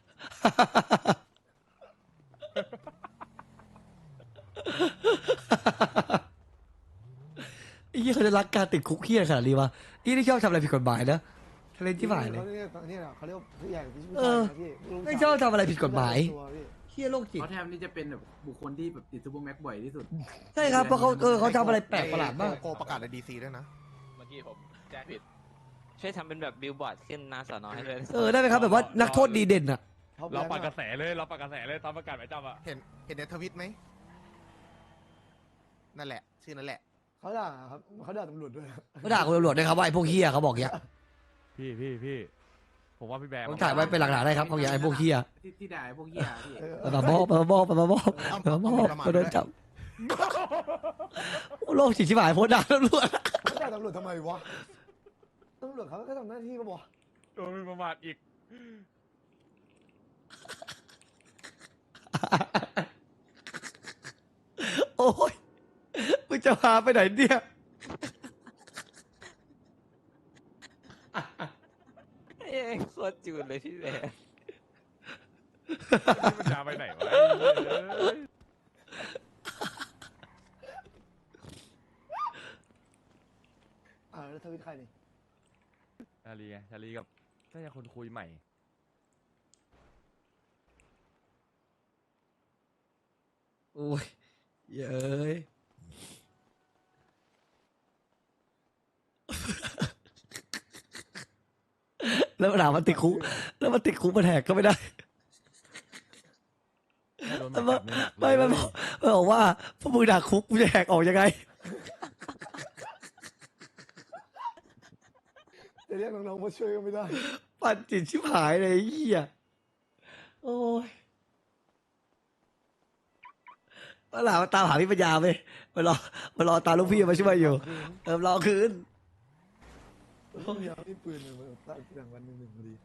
Speaker 1: ไอ้เหี้ยเขาจะรักการติดคุกเฮียขนาดนี้วะไอ้นี่ชอบทำอะไรผิดกฎหมายนะทะเลนชิบหายเลย
Speaker 3: เขาเรียกนี่นะเขาเรียกผู้ใหญ่ผู้
Speaker 1: เอ
Speaker 3: ชาย
Speaker 1: อ
Speaker 3: นะพี่ลูก
Speaker 1: ไม่ชอบทำอะไรผิดกฎหมาย
Speaker 3: ตัวพี่
Speaker 1: เฮียโรคจิต
Speaker 7: เขาแทบนี่จะเป็นแบบบุคคลที่แบบติดซูเปอร์แม็กบ่อยที่สุด
Speaker 1: ใช่ครับเพราะเขาเออเขาทำอะไรแปลกประหลาดมาก
Speaker 8: โกประกาศในดีซีด้วยนะ
Speaker 10: เมื่อกี้ผมแจ้งผิด
Speaker 2: ช่วยทำเป็นแบบบิลบอร์ดขึ้นหน้าสอนอให้ด้วย
Speaker 1: เออได้ไหมครับแบบว่านักโทษดีเด่นอะ
Speaker 4: เราปัดกระแสเลยเราปัดกระแสเลยตามประกาศหมายจับอ่ะ
Speaker 8: เห็นเห็นในทวิตไหมนั่นแหละ ชื่อนั่นแหละ
Speaker 3: เขาด่าครับเขาด่าตำรวจด้วย
Speaker 1: เขาด่าคุณตำรวจด้วยครับว่าไอ้พวกเฮียเขาบอกอย่างเงี้ย
Speaker 4: พี่พี่พี่ผมว่าพี่แบร์
Speaker 1: ผมถ่ายไว้เป็นหลักฐานได้ครับเขาอย่างไอ้พวกเฮีย
Speaker 7: ที่ที่ด่าไอ้พวกเหี้ยพี่
Speaker 3: เออ
Speaker 1: ไปมาบอกไปมาบอกไปมาบอกไปมาบอกไปโดนจับโอ้โลกจิตชิบหายโพสต์ด่าตำรวจ
Speaker 3: เขาด่าตำรวจทำไมวะตำรวจเขาแค่ทำหน้าที่ก็บอก
Speaker 4: โดนประมาทอีก
Speaker 1: โอ้ยมึงจะพาไปไหนเนี่ย
Speaker 2: เอ้ยโคตรจูนเลยพี่แบร์
Speaker 4: นี่มันจะไปไหนวะไอ้เหี้ย
Speaker 3: อ่าแล้วทวิตใครนี่
Speaker 4: ชาลีไงชาลีกับน่าจะคนคุยใหม่
Speaker 1: โอ้ยเย้ยแล้วมันถามมันติดคุกแล้วมันติดคุกมันแหกก็ไม่ได้
Speaker 4: โดน
Speaker 1: มัน
Speaker 4: แบ
Speaker 1: บอก
Speaker 4: บนี้หนัก
Speaker 1: ไม่มันบอกมันบอกว่าพวกมึงด่าคุกมึงจะแหกออกยังไง
Speaker 3: จะเรียกน้องๆมาช่วยก็ไม่ได้
Speaker 1: ปั่นจิตชิบหายเลยไอ้เหี้ยโอ้ยมาหลามาตามหาพี่ปัญญาไปมารอมารอตามลูกพี่มาช่วยอยู่เออรอคืน
Speaker 3: ต้องยาวที่ปืนเลยมันตั้งแต่วันหนึ่งหนึ่งพอดี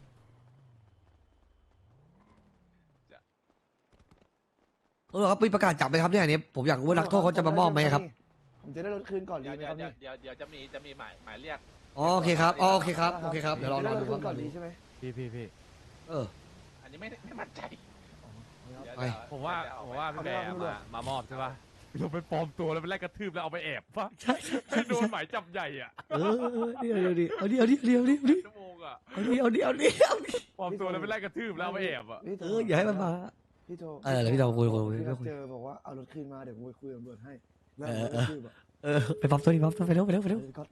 Speaker 1: เออครับมีประกาศจับไหมครับเนี่ยอันนี้ผมอยากรู้ว่านักโทษเขาจะมามอบไหมครับ
Speaker 3: ผมจะได้รถคืนก่อนดี
Speaker 10: เดี๋ยว
Speaker 3: ไหม
Speaker 10: เดี๋
Speaker 3: ค
Speaker 10: ย
Speaker 3: รับ
Speaker 10: วเดี๋ยวเดี๋ยวจะมีจะมีหมายหมายเรียก
Speaker 1: อ๋อโอเคครับอ๋อโอเคครับโอเคครับเดี๋ยวรอ
Speaker 3: จะ
Speaker 1: ร
Speaker 3: ได้
Speaker 1: อ
Speaker 3: ร
Speaker 1: ดู
Speaker 3: ถ
Speaker 1: ค
Speaker 3: คื
Speaker 1: รับ
Speaker 3: นก่อนดีใช่ไหม
Speaker 4: พี่พี่พี่
Speaker 1: เออ
Speaker 10: อันนี้ไม่ไม่มั่นใจเดี๋ยว
Speaker 1: ไป
Speaker 10: เดี๋ยว
Speaker 4: ผมว่า
Speaker 10: เดี๋ย
Speaker 4: ผมว่าพี่แบร์มามามอบใช่ปะเราไปปลอมตัวแล้วไปไล่กระทืบแล้วเอาไปแอบปะ
Speaker 1: ใช่ใช่
Speaker 4: ให้โดนหมายจับใหญ่อ่ะ
Speaker 1: เออเออเดี๋ยวเดี๋ยวเอาดิเอาดิเอาดิเอาดิ
Speaker 4: ชั่วโมงอ่ะ
Speaker 1: เอาดิเอาดิเอาดิเอาดิ
Speaker 4: ปลอมตัวแล้วไปไล่กระทืบแล้วเอาไปแอบอ่ะ
Speaker 3: พี่โท
Speaker 1: เอ
Speaker 3: ร
Speaker 1: ออย่าให้มันมา
Speaker 3: พี่โทร
Speaker 1: เออเดี๋ยวพี่โทรคุยคุยคุย
Speaker 3: พี่
Speaker 1: คุย
Speaker 3: เจอบอกว่าเอารถคืนมาเดี๋ยวผมไปคุยกับตำรวจให้แล้ว
Speaker 1: เออ
Speaker 3: รถคืนแบบ
Speaker 1: เออไปปั๊มตัวนี้ปั๊มตัวไปเร็วไปเร็วไปเร็ว
Speaker 3: ก็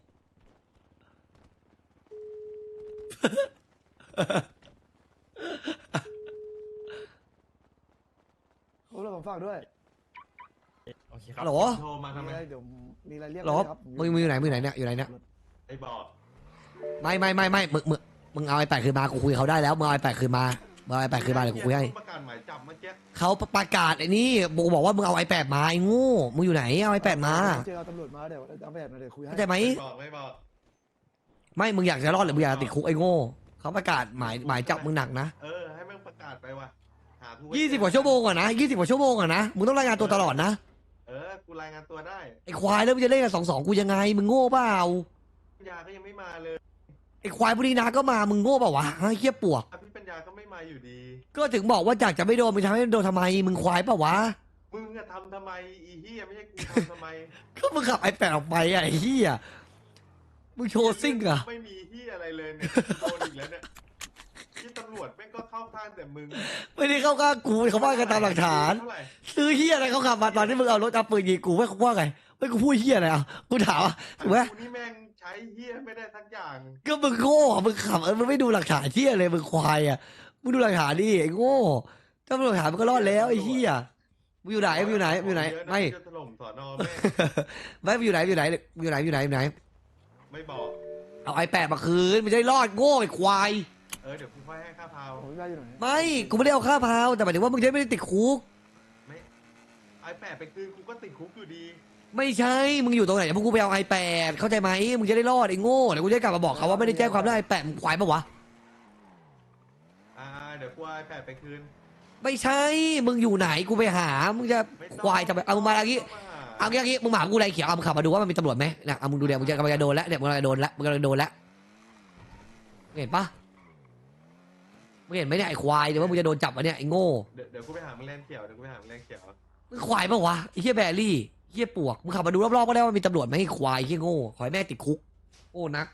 Speaker 3: เขาเลยผมฝากด้วย
Speaker 4: โอเคค
Speaker 1: ฮั
Speaker 4: รับ
Speaker 1: ลโหล
Speaker 5: โทรมาทำ
Speaker 3: มี
Speaker 5: ไม
Speaker 3: อะไรเดี๋ยวมีอะไรเรียก
Speaker 1: ฮัลโหล
Speaker 3: ได้ครับ
Speaker 1: มึงมึงอยู่ไหนมึงอยู่ไหนเนี่ยอยู่ไหนเนี่ย
Speaker 5: ไอ้บอก
Speaker 1: ไม่ไม่ไม่ไม่มึงมึงมึงเอาไอ้แปดคืนมากูคุยกับเขาได้แล้วมึงเอาไอ้แปดคืนมามึงเอาไอ้แปดคืนมาเดี๋ยวกูคุยให้
Speaker 5: ประกาศหมายจับเมื่อกี้
Speaker 1: เขาประกาศไอ้นี่กูบอกว่ามึงเอาไอ้แปดมาไอ้โงูมึงอยู่ไหนเอาไอ้แปดมา
Speaker 3: เจอเอาตำรวจมาเดี๋ยวเอาแบบมาเดี๋ยวคุยให้
Speaker 1: เข้าใจไหม
Speaker 5: ไม่บอกไม่บอก
Speaker 1: ไม่มึงอยากจะรอดหรือมึงอยากจะติดคุกไอ้โง่เขาประกาศหมายหมายจับมึงหนักนะ
Speaker 5: เออให้แม่งประกาศไปว่ะหาทุ
Speaker 1: ยี่สิบกว่าชั่วโมงก่อนนะยี่สิบกว่าชั่วโมงก่อนนะมึงต้องรายงานตัวตลอดนะ
Speaker 5: เออกูรายงานตัวได้
Speaker 1: ไอ้ควายแล้วมึงจะเล่นกันสองสองกูยังไงมึงโง่เปล่า
Speaker 5: ปัญญาก็ยังไม่มาเลย
Speaker 1: ไอ้ควายพวกนี้นะก็มามึงโง่เปล่าวะไอ้เหี้ยปวก
Speaker 5: พี่ปัญญาก็ไม่มาอยู่ดี
Speaker 1: ก็ถึงบอกว่าอยากจะไม่โดนมึงทำให้โดนทำไมมึงควายเปล่าวะ
Speaker 5: มึงอะทำทำไมอีเฮียไม่ใช่กูทำทำไม
Speaker 1: ก็มึงขับไอ้แปดออกไปอะไอ้เหี้ยมึงโชว์ซิ่งอะ
Speaker 5: ไม่มีเฮียอะไรเลยเนี่ยโดนอีกแล้วเนี่ยที่ตำรวจแม่งก็เข้าข้างแต่มึง
Speaker 1: ไม่ได้เข้าข้างกูเขาว่ากันตามหลักฐาน
Speaker 5: เท่าไหร่
Speaker 1: ซื้อเหี้ยอะไรเขาขับมาตอนที่มึงเอารถเอาปืนยิงกูไม่เขาว่าไงไม่กูพูดเหี้ยอะไรอ่ะกูถามอ่ะถูกไหม
Speaker 5: กูนี่แม่งใช้เฮียไม่ได้สักอย่าง
Speaker 1: ก็มึงโง่อะมึงขับเออมึงไม่ดูหลักฐานเหี้ยเลยมึงควายอ่ะมึงดูหลักฐานดิไอ้โง่ถ้ามึงหลักฐานมันก็รอดแล้วไอ้เหี้ยมึงอยู่ไหนมึงอยู่ไหนมึงอยู่ไหนไม่
Speaker 5: จะถล่มสอนอแม่ง
Speaker 1: ไม่มึงอยู่ไหนมึงอยู่ไหนมึงอยู่ไหนมึงอยู่ไหนมึงอยู่ไหน
Speaker 5: ไม่บอก
Speaker 1: เอาไอ้แปดมาคืนมันจะได้รอดโง่ไอ้ควาย
Speaker 5: เออเดี๋ยวกูค่อยให้ค่าพาว
Speaker 3: ผมไม่ได้อยู่ไหน
Speaker 1: ไม่กูไม่ได้เอาค่าพาวแต่หมายถึงว่ามึงจะไม่ได้ติดคุก
Speaker 5: ไม่ไอแปดไปคืนกูก็ติดคุกอยู่ดี
Speaker 1: ไม่ใช่ มึงอยู่ตรงไหนเดี๋ยวพวกกูไปเอาไอแปดเข้าใจไหมมึงจะได้รอดไอ้โง่เดี๋ยวกูจะกลับมาบอกเขาว่าไม่ได้แจ้งความเรื่องไอแปดมึงควายปะวะ
Speaker 5: อ่าเดี๋ยวกูเอาไอแปดไปคืน
Speaker 1: ไม่ใช่ มึงอยู่ไหนกูไปหา มึงจะ
Speaker 5: ไม่ต้อง
Speaker 1: ควายจะไปเอามึงมาอย่างงี้
Speaker 5: ต้ง
Speaker 1: เอาอย่างงี้มึงมาหากูไรเขียวเอามึงขับมาดูว่ามันมีตำรวจไหมนะเอามึงดูเดี๋ยวมึงจะกำลังจะโดนแล้วเดี๋ยวมึงกำลังจะโดนแล้วมึงกำลังจะโดนแล้วเห็นปะมึงเห็นไหมเนี่ยไอ้ควายเดี๋ยวว่ามึงจะโดนจับวะเนี่ยไอ้โง่
Speaker 5: เดี๋ยวเดี๋ยวกูไปหามึงแลนเขียวเดี๋ยวกูไปหามึงแลนเขียว
Speaker 1: มึงควายปะวะไอ้เหี้ยแบรี่เหี้ยปวกมึงขับมาดูรอบๆก็ได้ว่ามีตำรวจไหมไอ้ควายไอ้เหี้ยโง่ขอให้แม่ติดคุกโอ้นัก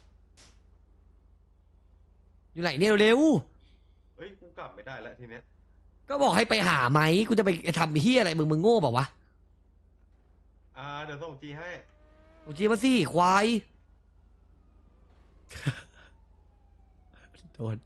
Speaker 1: อยู่ไหนเนี่ยเร็ว
Speaker 5: เฮ้ยกูกลับไม่ได้แล้วทีเนี้ย
Speaker 1: ก็บอกให้ไปหาไหมกูจะไปทำเฮียอะไรมึงมึงโง่เปล่าวะ
Speaker 5: อ่าเดี๋ยวส่งจีให้
Speaker 1: โอ้จีมาสิควาย โดน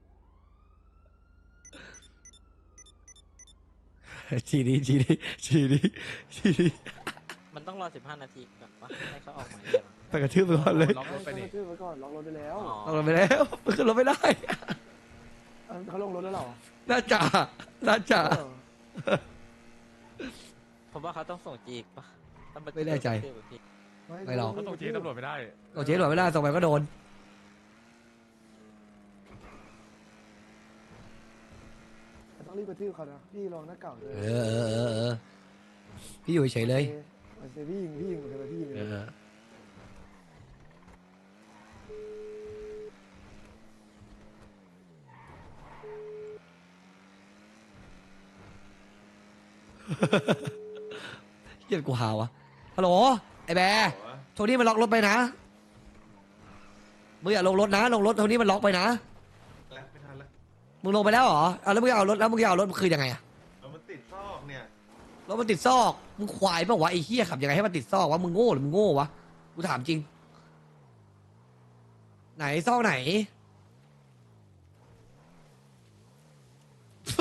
Speaker 1: ชีดีชีดีชีดีชีดี
Speaker 2: มันต้องรอสิบห้านาทีก่อนปะให้เขาออกหมายเรียก
Speaker 1: ไปกระทืบไปก่อนเลย
Speaker 4: ล็อกรถไป
Speaker 3: ไป
Speaker 4: นี่
Speaker 3: ขึ้นไว้ก่อนล็อกรถไปแล้ว
Speaker 2: อ๋อ
Speaker 1: เอาลงไปแล้วมันขึ้นรถไม่ได้
Speaker 3: เอ้าเขาลงรถแล้วเหรอ
Speaker 1: น่าจะน่าจะ
Speaker 3: เออ
Speaker 2: ผมว่าเขาต้องส่งจีกปะต้องป
Speaker 1: ไม่แน่ใจ ไม่หรอก
Speaker 4: เขาต้องชี้ตำรวจไม่ได้
Speaker 1: โอเจ๊หลวดไม่ได้ส่งไปก็โดน
Speaker 3: ต้องรีบกระทืบเขานะพี่ลองหน้าเก่าเลย
Speaker 1: เออเออเออเออพี่อยู่เฉยๆเลย
Speaker 3: มันเซพี่ยิงพี่ยิงเหมือนกันนะพี่ยิง
Speaker 1: เออเฮียกูหาวะฮัลโหลไอ้แบร์โทนี่มันล็อกรถไปนะมึงอย่าลงรถนะลงรถโทนี่มันล็อกไปนะ
Speaker 5: แล้วไม่ทันแล้ว
Speaker 1: มึงลงไปแล้วเหรอเอาแล้วมึงจะเอารถแล้วมึงจะเอารถคือยังไงอะ
Speaker 5: เอามันติดซอกเนี่ย
Speaker 1: รถมันติดซอกมึงควายเปล่าวะไอ้เหี้ยขับยังไงให้มันติดซอกวะมึงโง่หรือมึงโง่วะกูถามจริง ไหนซอกไหน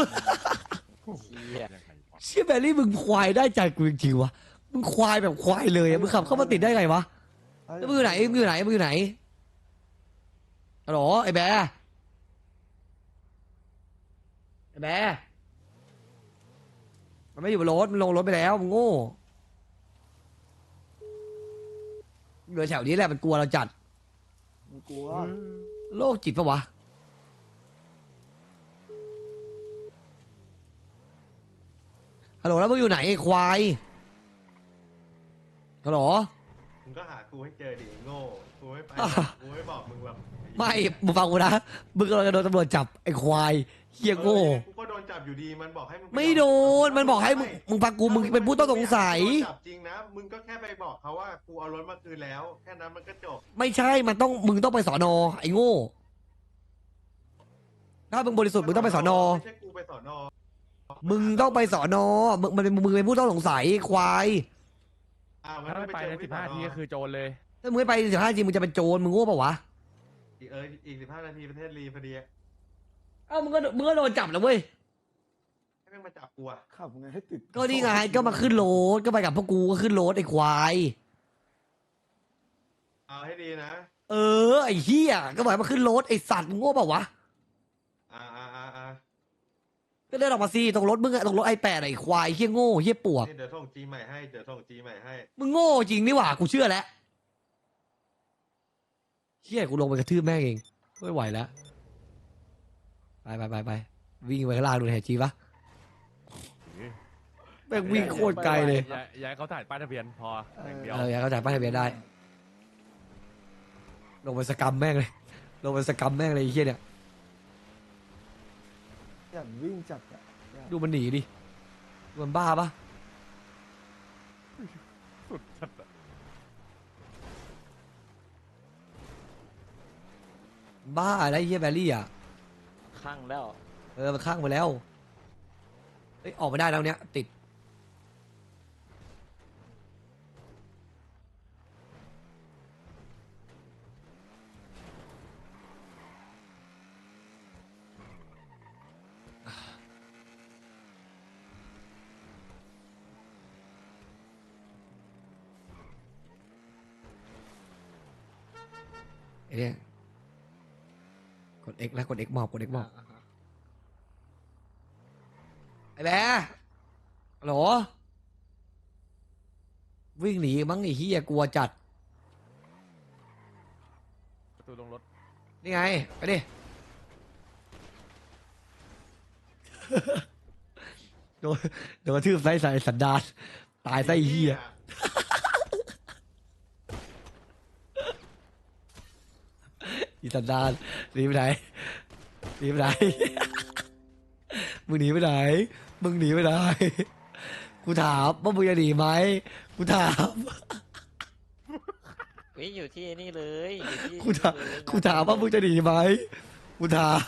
Speaker 2: เชี่ย
Speaker 1: เชี่ยแบรี่มึงควายได้ใจกูจริงๆวะมึงควายแบบควายเลยอะมึงขับเข้ามาติดได้ไงวะแล้วมึงอยู่ไหนมึงอยู่ไหนมึงอยู่ไหนฮัลโหลไอ้แบร์ไอ้แบร์มันไม่อยู่บนรถมันลงรถไปแล้วมึงโง่เหลือแถวนี้แหละมันกลัวเราจัด
Speaker 3: มึงกลัว
Speaker 1: โรคจิตปะวะฮัลโหลแล้วมึงอยู่ไหนไอ้ควายฮัลโหล
Speaker 5: มึงก็หากูให้เจอดิโง่กูไม่ไป
Speaker 1: อ่ะ
Speaker 5: กูไม่บอกมึงหรอก
Speaker 1: ไม่มึงฟังกูนะมึงกำลังจะโดนตำรวจจับไอ้ควายเฮียโง่
Speaker 5: เออกูก็โดนจับอยู่ดีมันบอกให้มึงป
Speaker 1: ไม่โดนมันบอกให้มึงมึงฟังกูมึงเป็นผู้ต้องสงสัย
Speaker 5: โดนจับจริงนะมึงก็แค่ไปบอกเขาว่ากูเอารถมาคืนแล้ว แค่นั้นมันก็จบ
Speaker 1: ไม่ใช่มันต้องมึงต้องไปสอนอไอ้โง่ถ้ามึงบริสุทธิ์มึงต้องไปสอนอ
Speaker 5: ไม่ใช่กูไปสอนอ
Speaker 1: มึงต้องไปสอนอมึงมันเป็นมึงเป็นผู้ต้องสงสัยควาย
Speaker 5: อ่ามัน
Speaker 4: ถ้า
Speaker 5: ต้อง
Speaker 4: ไม่
Speaker 5: ไป
Speaker 4: ไป
Speaker 5: เจ
Speaker 4: ใน
Speaker 5: อ
Speaker 4: สิ
Speaker 5: ที่
Speaker 4: บ
Speaker 5: สอ
Speaker 4: ห้าน นาที
Speaker 5: อ
Speaker 4: ก็คือโจรเลย
Speaker 1: ถ้ามึงไม่ไปสิบห้าจริงมึงจะเป็นโจรมึงโง่ปะวะ
Speaker 5: อีกเอออีกสิบห้านาทีประเทศรีพอดีอะ
Speaker 1: เอ้ามึงก็มึงก็โดนจับแล้วเว้ย
Speaker 5: ให้แม่งมาจับกูอะ
Speaker 3: ขับไงให้ติด
Speaker 1: ก็นี่ไงก็มาขึ้นรถก็ไปกับพวกกูก็ขึ้นรถไอ้ควาย
Speaker 5: เอาให้ดีนะ
Speaker 1: เออไอ้เหี้ยก็บอกให้มาขึ้นรถไอ้สัตว์มึงโง่เปล่าวะ
Speaker 5: อ่าอ่าอ่าอ่า
Speaker 1: ก็เดินออกมาสิตรงรถมึงอะตรงรถไอแปดไอ้ควายเหี้ยโง่เหี้ยปวก
Speaker 5: นี่เดี๋ยวส่งจีใหม่ให้เดี๋ยวส่งจีใหม่ให้
Speaker 1: มึงโง่จริงนี่หว่ากูเชื่อแล้วเหี้ยกูลงไปกระทืบแม่งเองไม่ไหวแล้วไปไปไปไปวิ่งไปข้างล่างดูแถจีปะแม่งวิ่งโคตรไกลเลย
Speaker 4: อย่าอย่าให้เขาถ่ายป้ายทะเบียนพออย่างเดียว
Speaker 1: เอออยากเข้าใจป้ายทะเบียนได้ ลงไปสกรรมแม่งเลย ลงไปสกรรมแม่งเลยไอ้เหี้ยเนี่ย
Speaker 3: อย่างวิ่งจัดอะ
Speaker 1: ดูมันหนีดิดูมันบ้าปะ
Speaker 4: สุดจัดอะ
Speaker 1: บ้าอะไรไอ้เหี้ยแบรี่อ่ะ
Speaker 2: ข้างแล้ว
Speaker 1: เออมันข้างไปแล้วเอ้ยออกไม่ได้แล้วเนี้ยติดไอ้เนี่ยกด X แล้วกด X มอบกด X มอบไอ้แบร์ฮัลโหลวิ่งหนีมั้งไอ้เหี้ยกลัวจัด
Speaker 4: ประตูลงรถ
Speaker 1: นี่ไง ไปดิ โดนโดนกระทืบไส้ใส่สันดานตายไส้เหี้ยอีสันดานหนีไปไหนหนีไปไหน มึงหนีไปไหน มึงหนีไปไหน กูถามว่ามึงจะหนีไหมกูถาม
Speaker 2: เฮ้ยอยู่ที่นี่เลยอยู่ที่
Speaker 1: กูถามกูถามว่ามึงจะหนีไหมกูถาม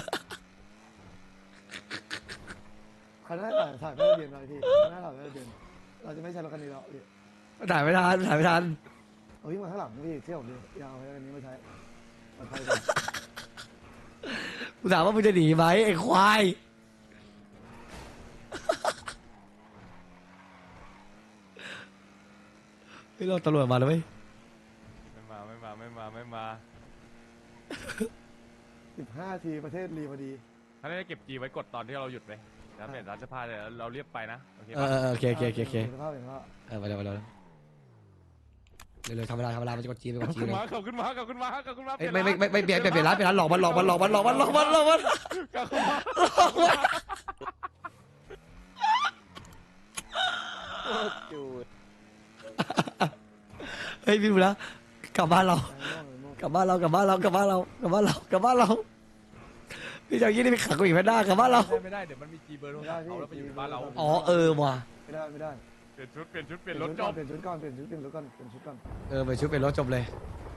Speaker 3: คันหน้าถ่ายถ่ายไม่ได้เบียนหน่อยพี่คันหน้าถ่ายไม่ได้เบียนเราจะไม่ใช้รถคันนี้แล้วพี่
Speaker 1: ถ่ายไม่ทันถ่ายไม่ทัน
Speaker 3: เอาวิ่งมาข้างหลังพี่เที่ยวผมดิอยาวเอาคันนี้มาใช้มาใช้ก่อน
Speaker 1: กูถามว่ามึงจะหนีไหมไอ้ควาย เฮ้ยเราตำรวจมาแล้วไหม
Speaker 4: ไม่มาไม่มาไม่มาไม่มา
Speaker 3: สิบห้าทีประเทศรีพอดี
Speaker 4: ถ้าได้เก็บจีไว้กดตอนที่เราหยุดไปแล้วเปลี่ยนร้านเสื้อผ้าเลยเราเรียบไปนะโอเค
Speaker 1: เอ
Speaker 4: ปะ
Speaker 1: อเออโอเคโอเคโอเคโอเค
Speaker 3: เห็นสภาพเห็นสภาพ
Speaker 1: เออไปเร็วไปเร็วเร็วๆทำเวลาทำเวลามันจะกดจีนไปก
Speaker 4: ข
Speaker 1: ด
Speaker 4: อบ
Speaker 1: จี
Speaker 4: คุ
Speaker 1: น
Speaker 4: ณ
Speaker 1: เลย
Speaker 4: มาขอบคุณมาขอบคุณมาขอบคุณมา
Speaker 1: เอ้ยไม่ไม่ไม่ไม่เปลี่ยนเปลี่ยนเปลี่ยนร้านเปลี่ยนร้านหลอกมันหลอกมันหลอกมันหลอกมันหลอกมันหลอกมัน
Speaker 4: ขอบคุณมา
Speaker 2: จูด
Speaker 1: เฮ้ยพี่ดูนะกลับบ้านเรา
Speaker 3: ไอ้โม่งไอ้โม่ง
Speaker 1: กลับบ้านเรากลับบ้านเรากลับบ้านเรากลับบ้านเรากลับบ้านเราพี่จะเอายี่นี่ไปขังกูอีกแพนด้ากลับบ้านเรา
Speaker 4: ไม่ได้เดี๋ยวมันมีจีเบอร์โทรศัพท์เขาแล้วไปอยู่บ้านเรา
Speaker 1: อ๋อเออว่ะ
Speaker 3: ไม่ได้ไม่ได้
Speaker 4: เปลี่ยนชุดเปลี่ยนชุดเปลี่ยนรถจบ
Speaker 3: เปลี่ยนชุดก่อนเปลี่ยนชุดเปลี่ยนรถก่อนเปลี่ยนชุดก่อน
Speaker 1: เออไปชุดเป็นรถจบเลย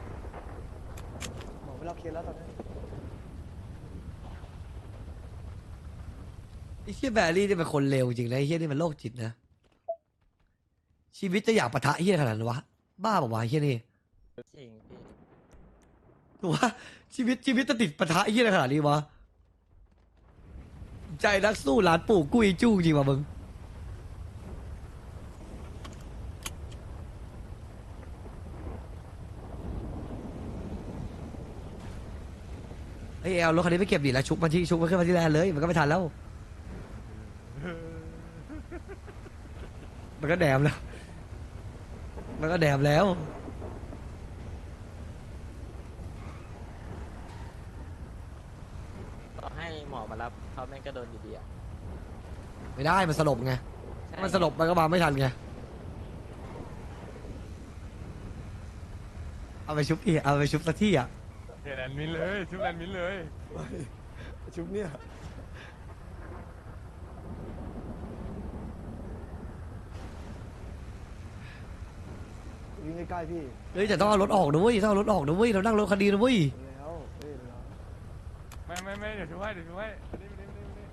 Speaker 3: หมอไม่รับเคสแล้วตอนนี้
Speaker 1: ไอ้เฮียแบรี่นี่เป็นคนเลวจริงนะไอ้เฮียนี่มันโรคจิตนะชีวิตจะอยากปะทะเฮียขนาดนั้นวะบ้าบอกว่าวะไอ้เฮียนี่
Speaker 2: จริงพี่
Speaker 1: ถูกว่าชีวิตชีวิตจะติดปะทะไอ้เฮียขนาดนี้วะใจนักสู้หลานปู่กุ้ยจู้จริงว่ะมึงไอ้ยเอารถคันนี้ไปเก็บดิแล้วชุบมาที่ชุบมาขึ้นมาที่แลนด์เลยมันก็ไม่ทันแล้ว มันก็แดมแล้ว มันก็แดมแล้ว
Speaker 2: ต่อให้หมอมารับเขาแม่งก็โดนอยู่ดีอ่ะ
Speaker 1: ไม่ได้มันสลบไงถ้ามันสลบมันก็มาไม่ทันไงเอาไปชุบอีกเอาไปชุบสักที่อ่ะ
Speaker 4: เฮแลนด์มินเลยชุบแลนด์มินเลย
Speaker 3: ชุบเนี่ยวิ่งใกล้ๆพี่
Speaker 1: เฮ้ยแต่ต้องเอารถออกนะเว้ยต้องเอารถออกนะเว้ยเรานั่งรถคันดีนะเว้ย
Speaker 3: แล้วเอ้ยแล้ว
Speaker 4: ไม่ไม่ไม่เดี๋ยวช่วยเดี๋ยวช่วยมาดิมาดิมาดิมาดิ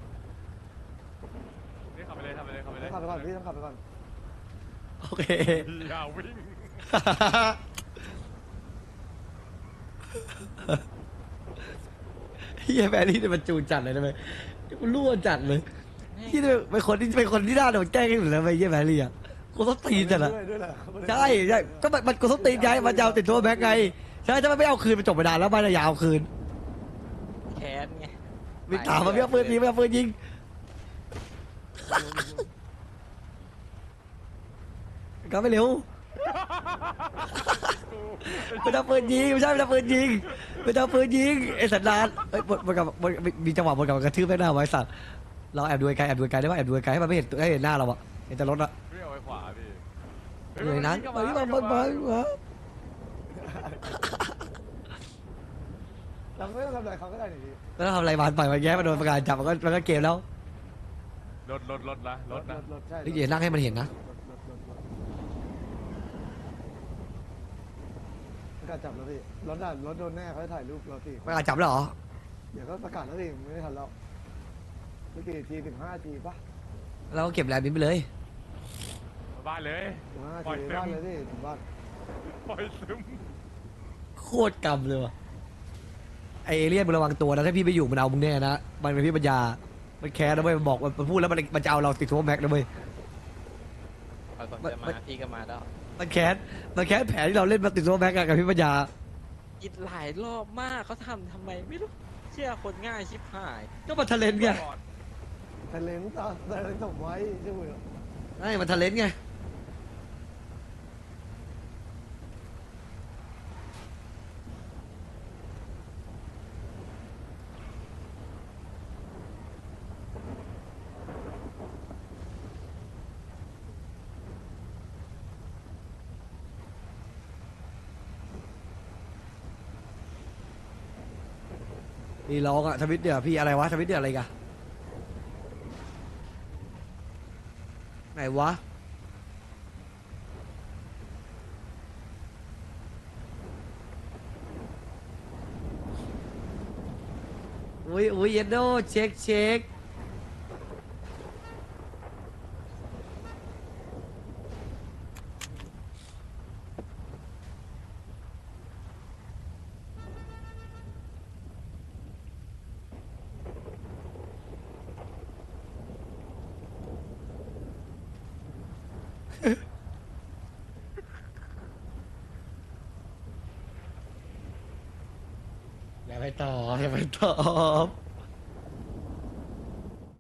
Speaker 4: นี่ขับไปเลยขับไปเลยขับไปเลย
Speaker 3: ขับไปก่อนพี่ต้องขับไปก่อน
Speaker 1: โอเค
Speaker 4: อย่าวิ่ง
Speaker 1: เฮียแมรี่เนี่ยมันจูนจัดเลยนะเว้ยมันรั่วจัดเลยที่เป็นคนที่เป็นคนที่น่าโดนแกล้งที่สุดแล้วเว้ยเฮียแมรี่อ่ะกูต้องตีนจัดอ่ะ
Speaker 3: ด้วยด้วยแหละ
Speaker 1: ใช่ใช่ก็มันมันกูต้องตีนไงมันจะเอาติดตัวแบ็กไงใช่ถ้ามันไม่เอาคืนมันจบไปนานแล้วมันจะยาวคืน
Speaker 2: แค้นไง
Speaker 1: มีถามมาไม่เอาปืนยิงไม่เอาปืนยิงก็ไม่เร็วไม่เอาปืนยิงไม่ใช่ไม่เอาปืนยิงไม่เอาปืนยิงไอ้สันดานเอ้ยบนบนกับมันมีจังหวะบนกับกระทืบแม่หน้าไว้สัตว์เราแอบดูไกลแอบดูไกลได้ป่ะแอบดูไกลให้มันไม่เห็นให้เห็นหน้าเราอะเห็นแต่รถอะ
Speaker 4: วิ่งเอาไปขวาดิ
Speaker 1: อยู่ในนั้นไปที่มันมันมัน
Speaker 3: เราไม่ต้องทำอะไรเขาก็ได้หนิพี่
Speaker 1: แล้วทำอะไรมันปล่อยมันแย่มันโดนประกาศจับมันก็มันก็เกมแล้ว
Speaker 4: รถรถรถนะรถนะ
Speaker 3: รถใช่
Speaker 1: นี่อย่านั่งให้มันเห็นนะ
Speaker 3: รถรถรถประกาศจับแล้วพี่รถด่านรถโดนแน่เขาจะถ่ายรูปเราพี่
Speaker 1: ประกาศจับแล้วเหรอ
Speaker 3: เดี๋ยวก็ประกาศแล้วพี่ไม่ได้ทันแล้วไม่กี่ทีถึงห้าทีปะ
Speaker 1: เราก็เก็บแลนด์บินไปเลย
Speaker 4: บ้านเลย
Speaker 3: ถึงห้า
Speaker 4: ปล่อย
Speaker 3: ที
Speaker 4: เต็ม
Speaker 3: บ้านเลยพี่ถึงบ้าน
Speaker 4: ปล่อยซึม
Speaker 1: โคตรกำเลยว่ะไอเอเลี่ยนมึงระวังตัวนะถ้าพี่ไปอยู่มันเอามึงแน่นะมันเป็นพี่ปัญญามันแคร์นะเว้ยมันบอกมันพูดแล้วมันมันจะเอาเราติดทั่วแม็กนะเว้ย
Speaker 2: พอผมจะมาพี่ก็มาแล้ว
Speaker 1: มันแค้นมันแค้นแผนที่เราเล่นมาติดทั่วแม็กกับพี่ปัญญา
Speaker 2: คิดหลายรอบมากเขาทำทำไมไม่รู้เชื่อคนง่ายชิบหาย
Speaker 1: ก็มันทะเลนไง
Speaker 3: ทะเลนตาทะเลนส่งไว้ใช่ไหม
Speaker 1: ไอ้มันทะเลนไงนี่ร้องอะทวิตเดี๋ยวพี่อะไรวะทวิตเดี๋ยวอะไรกันไหนวะอุ้ยอุ้ยเยนโดเช็คเช็คอย่าไปตอบอย่าไปตอบ